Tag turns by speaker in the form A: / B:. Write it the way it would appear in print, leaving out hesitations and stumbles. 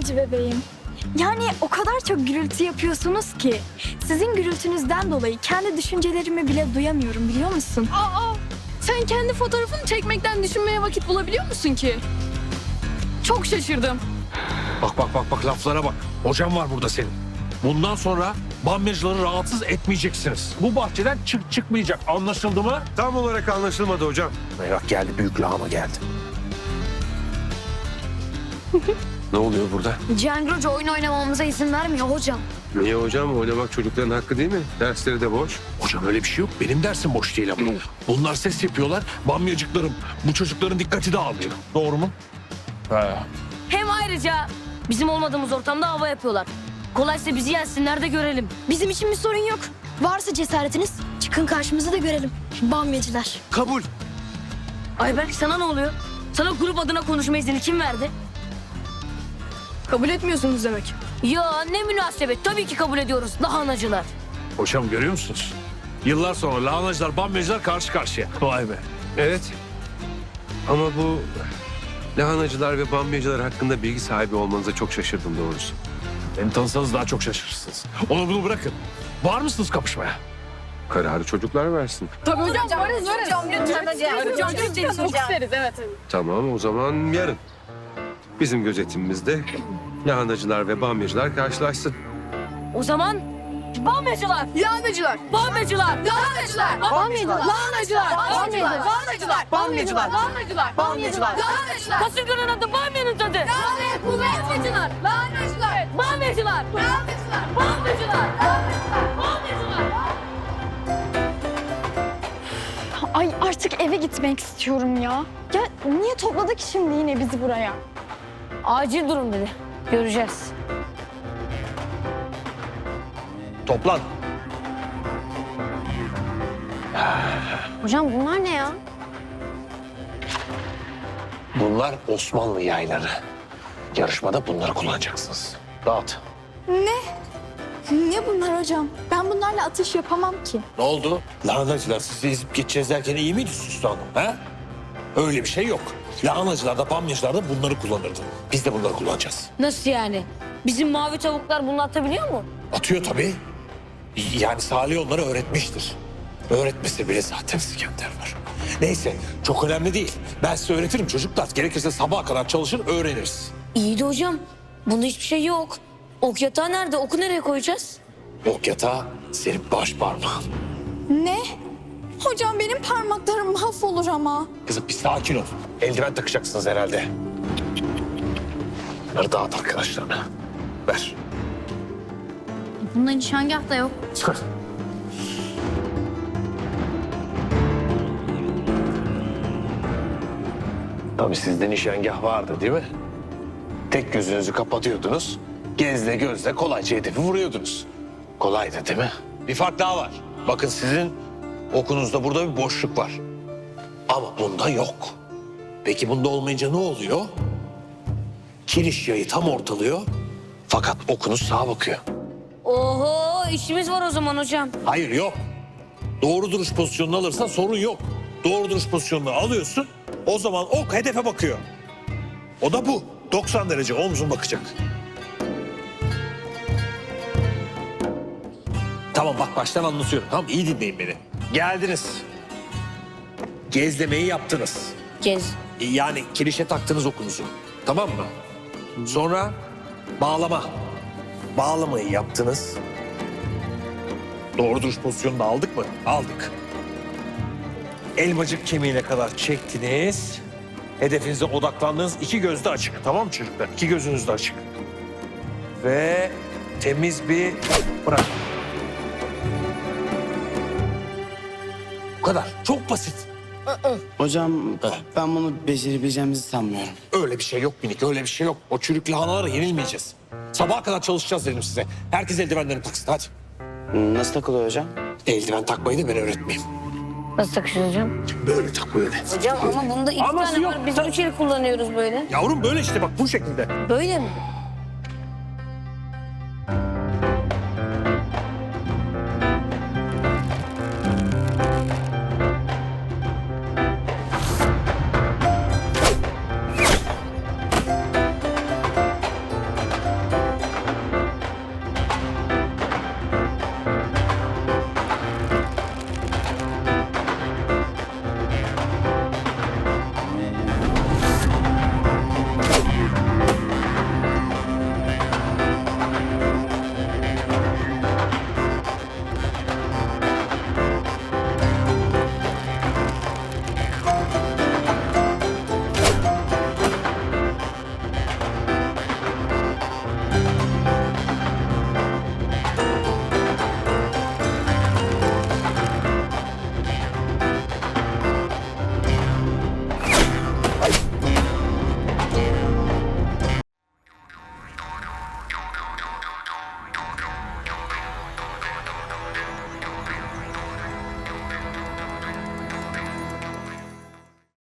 A: cici bebeğim. Yani o kadar çok gürültü yapıyorsunuz ki sizin gürültünüzden dolayı kendi düşüncelerimi bile duyamıyorum, biliyor musun?
B: Sen kendi fotoğrafını çekmekten düşünmeye vakit bulabiliyor musun ki? Çok şaşırdım.
C: Bak laflara bak. Hocam var burada senin. Bundan sonra bamyacıları rahatsız etmeyeceksiniz. Bu bahçeden çıkmayacak. Anlaşıldı mı?
D: Tam olarak anlaşılmadı hocam.
C: Merak geldi, büyük lahana geldi.
D: Ne oluyor burada?
E: Cihangir Hoca oyun oynamamıza izin vermiyor hocam.
D: Niye hocam? Oynamak çocukların hakkı değil mi? Dersleri de boş.
C: Hocam öyle bir şey yok. Benim dersim boş değil ama. Bunlar ses yapıyorlar. Bamyacıklarım. Bu çocukların dikkati dağılıyor. Doğru mu? He.
E: Hem ayrıca bizim olmadığımız ortamda hava yapıyorlar. Kolaysa bizi yensinler de görelim. Bizim için bir sorun yok. Varsa cesaretiniz çıkın karşımıza da görelim. Bamyacılar.
D: Kabul.
E: Ayberk sana ne oluyor? Sana grup adına konuşma izni kim verdi?
B: Kabul etmiyorsunuz demek.
E: Ya ne münasebet. Tabii ki kabul ediyoruz lahanacılar.
C: Hocam görüyor musunuz? Yıllar sonra lahanacılar, bamyacılar karşı karşıya. Vay be.
D: Evet. Ama bu lahanacılar ve bamyacılar hakkında bilgi sahibi olmanıza çok şaşırdım doğrusu.
C: Beni tanısanız daha çok şaşırırsınız. Onu bunu bırakın. Var mısınız kapışmaya?
D: Kararı çocuklar versin.
B: Tabii hocam, varız. Hocam lütfen hocam. Çok isteriz, evet.
D: Tamam o zaman yarın. Bizim gözetimimizde lahanacılar ve bamyacılar karşılaşsın.
E: O zaman bamyacılar.
B: Lahanacılar.
E: Bamyacılar.
B: Lahanacılar.
E: Bamyacılar.
B: Lahanacılar. Bamyacılar. Lahanacılar. Bamyacılar. Lahanacılar. Bamyacılar. Lahanacılar.
E: Kasırganın adı bamyanın tadı.
B: Bamyacılar. Lahanacılar.
E: Bamyacılar.
B: Bamyacılar.
E: Bamyacılar. Bamyacılar.
A: Ay artık eve gitmek istiyorum ya. Ya niye topladık şimdi yine bizi buraya?
E: Acil durum dedi. Göreceğiz.
C: Toplan.
E: Hocam bunlar ne ya?
C: Bunlar Osmanlı yayları. Yarışmada bunları kullanacaksınız. Dağıt.
A: Ne bunlar hocam? Ben bunlarla atış yapamam ki.
C: Ne oldu? Lahanacılar sizi ezip geçeceğiz derken iyi miydi Süslü Hanım? He? Öyle bir şey yok. Lahanacılar da bamyacılar da bunları kullanırdı. Biz de bunları kullanacağız.
E: Nasıl yani? Bizim mavi tavuklar bunu atabiliyor mu?
C: Atıyor tabii. Yani Salih onları öğretmiştir. Öğretmese bile zaten İskender var. Neyse çok önemli değil. Ben size öğretirim çocuklar. Gerekirse sabaha kadar çalışır öğreniriz.
E: İyi de hocam. Bunda hiçbir şey yok. Ok yatağı nerede? Oku nereye koyacağız?
C: Ok yatağı senin baş parmağın.
A: Ne? Hocam benim parmaklarım mahvolur ama.
C: Kızım bir sakin ol. Eldiven takacaksınız herhalde. Bunları dağıt arkadaşlarına. Ver.
E: Bunda nişangah da yok.
C: Tabii sizde nişangah vardı değil mi? Tek gözünüzü kapatıyordunuz. Gezle gözle kolayca hedefi vuruyordunuz. Kolaydı değil mi? Bir fark daha var. Bakın sizin okunuzda burada bir boşluk var. Ama bunda yok. Peki bunda olmayınca ne oluyor? Kiriş yayı tam ortalıyor. Fakat okunuz sağa bakıyor.
E: Oho işimiz var o zaman hocam.
C: Hayır yok. Doğru duruş pozisyonunu alırsan sorun yok. Doğru duruş pozisyonunu alıyorsun. O zaman ok hedefe bakıyor. O da bu. 90 derece omzun bakacak. Tamam bak baştan anlatıyorum. Tamam iyi dinleyin beni. Geldiniz. Gezlemeyi yaptınız.
E: Gez.
C: Yani kirişe taktınız okunuzu. Tamam mı? Sonra bağlama. Bağlamayı yaptınız. Doğru duruş pozisyonunu aldık mı? Aldık. Elmacık kemiğine kadar çektiniz. Hedefinize odaklandınız. İki göz de açık. Tamam mı çocuklar? İki gözünüz de açık. Ve temiz bir bırak. Bu kadar. Çok basit.
F: Hocam ben bunu becerebileceğimizi sanmıyorum.
C: Öyle bir şey yok minik, öyle bir şey yok. O çürük lahanalara yenilmeyeceğiz. Sabaha kadar çalışacağız dedim size. Herkes eldivenlerini taksın hadi.
F: Nasıl takılıyor hocam?
C: Eldiven takmayı da ben öğretmeyeyim.
E: Nasıl takışıyoruz hocam?
C: Böyle tak böyle.
E: Hocam ama bunda iki
C: Anası
E: tane
C: yok.
E: var. Biz üç el kullanıyoruz böyle.
C: Yavrum böyle işte bak bu şekilde.
E: Böyle mi?